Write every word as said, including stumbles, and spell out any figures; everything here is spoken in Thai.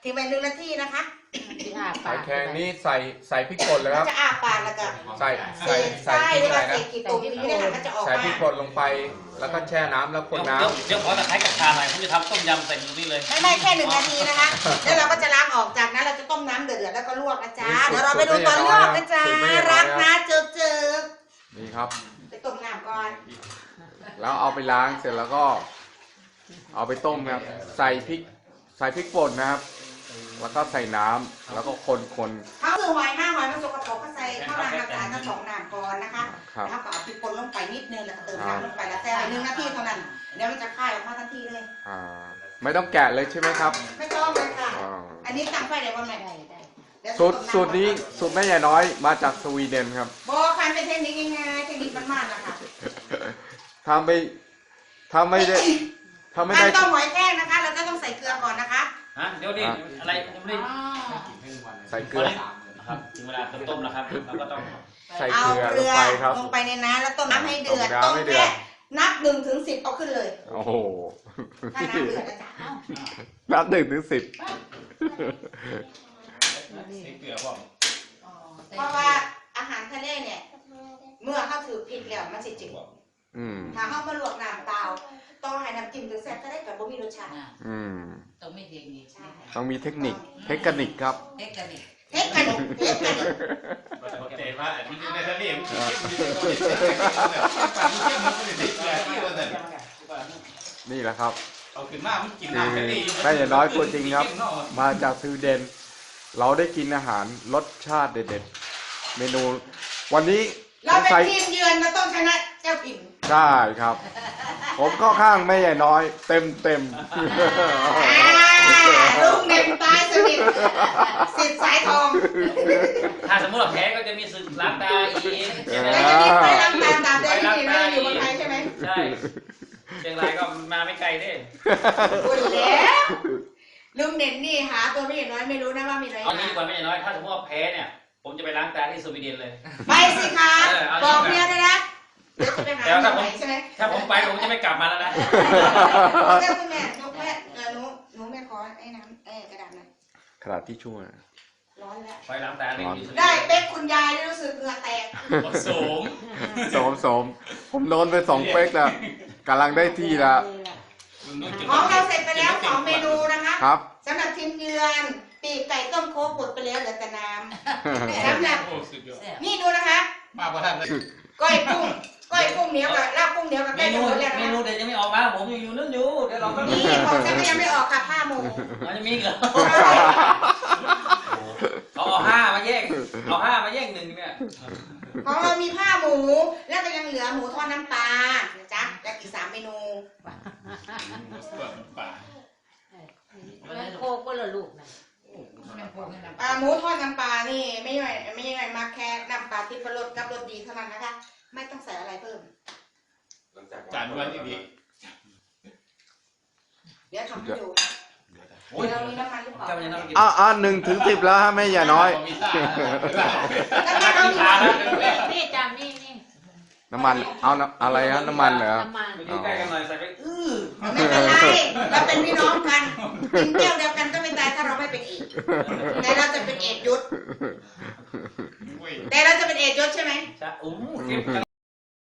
ทิ้งไปหนึ่งนาทีนะคะหอยแครงนี่ใส่ใส่พริกป่นเลยครับจะอาปากแล้วก็ใส่เศใส่ษใส่ไส้พริกเวอะไรลาเศนะษกี่ตุ่มอยู่เนี่ยค่ะมันจะออกใส่มาพริกป่นลงไปแล้วก็แช่น้ำแล้วคนน้ำเดี๋ยวเดี๋ยวขอตะไคร้กับชาหน่อยผมจะทำต้มยำใส่ตรงนี้เลยไม่ไม่แค่หนึ่งนาทีนะคะแล้วเราก็จะล้างออกจากนั้นเราจะต้มน้ำเดือดๆแล้วก็ลวกนะจ๊ะเดี๋ยวเราไปดูตอนลวกนะจ๊ะรักนะเจอเจอนี่ครับไปต้มน้ำก่อนแล้วเอาไปล้างเสร็จแล้วก็ เอาไปต้มครับใส่พริกใส่พริกป่นนะครับ แล้วก็ใส่น้ำแล้วก็คนคนเขาคือหอยห้าหอยมันสกปรกก็ใส่ข้าวรางน้ำตาลทั้งสองน้ำก่อนนะคะครับแล้วก็เอาพริกป่นลงไปนิดนึงแล้วก็เติมน้ำลงไปแล้วแต่หนึ่งนาทีเท่านั้นเดี๋ยวมันจะคายออกมาทันทีเลยอ่าไม่ต้องแกะเลยใช่ไหมครับไม่ต้องเลยค่ะอ่าอันนี้ตั้งไฟเดี๋ยววันไหนสูตรสูตรนี้สูตรแม่ใหญ่น้อยมาจากสวีเดนครับบอกคันเป็นเทคนิคง่ายๆเทคนิคบ้านๆนะคะถ้าไม่ถ้าไม่ได้ถ้าไม่การได้ต้มหอยแครงนะคะ เราก็ต้องใส่เกลือก่อนนะคะฮะเดี๋ยวดิอะไรยังไม่ได้ใส่เกลือครับถึงเวลาต้มแล้วครับเราก็ต้องใส่เอาเกลือเกลลืงอไปครับลงไปในน้ำแล้วต้มน้ำให้เดือดต้ต้มมน้ำให้เดือแค่ดนับหนึ่งถึงสิบเอาขึ้นเลยโอ้โหถ้าน้ำเดือดนะจ๊ะนับหนึ่งถึงสิบใส่เกลือพ่อเพราะว่าอาหารทะเลเนี่ย เมื่อเข้าถือผิดแล้วมันสิจืดอืมถ้าเข้ามาลวกน้ำเปล่าต้องให้น้ำจิ้มถึงแซ่บก็ได้กับบ่มีรสชาติอืมต้องไม่เทคนิคใช่ต้องมีเทคนิคเทคนิคครับเทคนิคเทคนิคเทคนิคเข้าใจว่าอันนี้ในทะเลมันนี่แหละครับเอาขึ้นมามันกินคือน้ำทะเลแม่ใหญ่น้อยตัวจริงครับ มาจากสวีเดน เราได้กินอาหารรสชาติเด็ดๆ เมนู วันนี้เราเป็นใส่ทีมเยือนเราต้องชนะเจ้าถิ่นใช่ครับ ผมเข้าข้างแม่ใหญ่น้อย เต็มเต็มลุงเด่นตายสนิทสิทธิ์สายทองถ้าสมมติเราแพ้ก็จะมีศึกล้างตาอีกใช่ไหมแล้วจะมีไฟล้างตาตามได้ที่นี่ไม่ได้อยู่เมืองไทยใช่ไหมใช่เชียงรายก็มาไม่ไกลเด้พูดแล้วลุงเด่นนี่หาตัวไม่น้อยไม่รู้นะว่ามีอะไรเอางี้ดีกว่าไม่น้อยถ้าสมมติว่าแพ้เนี่ยผมจะไปล้างตาที่สวีเดนเลยไปสิคะบอกเมียเลยนะเดี๋ยวจะไปหาที่ไหนใช่ไหมถ้าผมไปผมจะไม่กลับมาแล้วนะเจ้าคุณแม่ยกแม่เออหนูหนูแม่ขอไอ้น้ำเอ้กระดาษหน่อยขนาดที่ช่วยร้อนแล้วไปล้างตาเลยได้เป๊กคุณยายรู้สึกเหงื่อแตกสมโสมโสมผมโดนไปสองเป๊กแล้วกำลังได้ที่แล้วของเราเสร็จไปแล้วสองเมนูนะคะครับสำหรับทีมเยือนปีกไก่ต้มโค้กหมดไปแล้วเหลือแต่น้ำสำหรับนี่ดูนะคะมาพอท่านก้อยกุ้งก้อยกุ้งเหนียวกับลาบกุ้งเหนียวกับเมไก่นูต้มหมดแล้วเมนะนูเดี๋ยวจะไม่ออกมาผมยังอยู่นั่นอยู่เดี๋ยวเราก็นี่ของฉันก็ยังไม่ออกค่ะผ้าหมูมันจะมีเหรอเอาเอาห้ามาแย่งเอาห้ามาแย่งหนึ่งเนี่ยของเรามีผ้าหมู แล้วก็ยังเหลือหมูทอดน้ำปลานะจ๊ะและอีกสามเมนูแล้วโคกก็ละลูกนะอ่าหมูทอดน้ำปลานี่ไม่ใช่ไม่ใช่มาแค่น้ำปลาที่ประรสกับรสดีเท่านั้นนะคะ ไม่ต้องใส่อะไรเพิ่มจานวันอีกเดี๋ยวทำให้ดูเดี๋ยวเรามีน้ำมันหรือเปล่าจำยังไงอ่าอ่าหนึ่งถึงสิบแล้วฮะแม่ใหญ่น้อยแล้วก็เอานี่จำนี่นี่น้ำมัน เอาน้ำอะไรฮะน้ำมันเหรอน้ำมันไปดูใกล้กันหน่อยใส่ไปอื้อไม่เป็นไรเราเป็นพี่น้องกันกินแก้วเดียวกันก็ไม่ตายถ้าเราไม่เป็นเอกแต่เราจะเป็นเอกยุทธแต่เราจะเป็นเอกยุทธใช่ไหมจะอู้เก็บ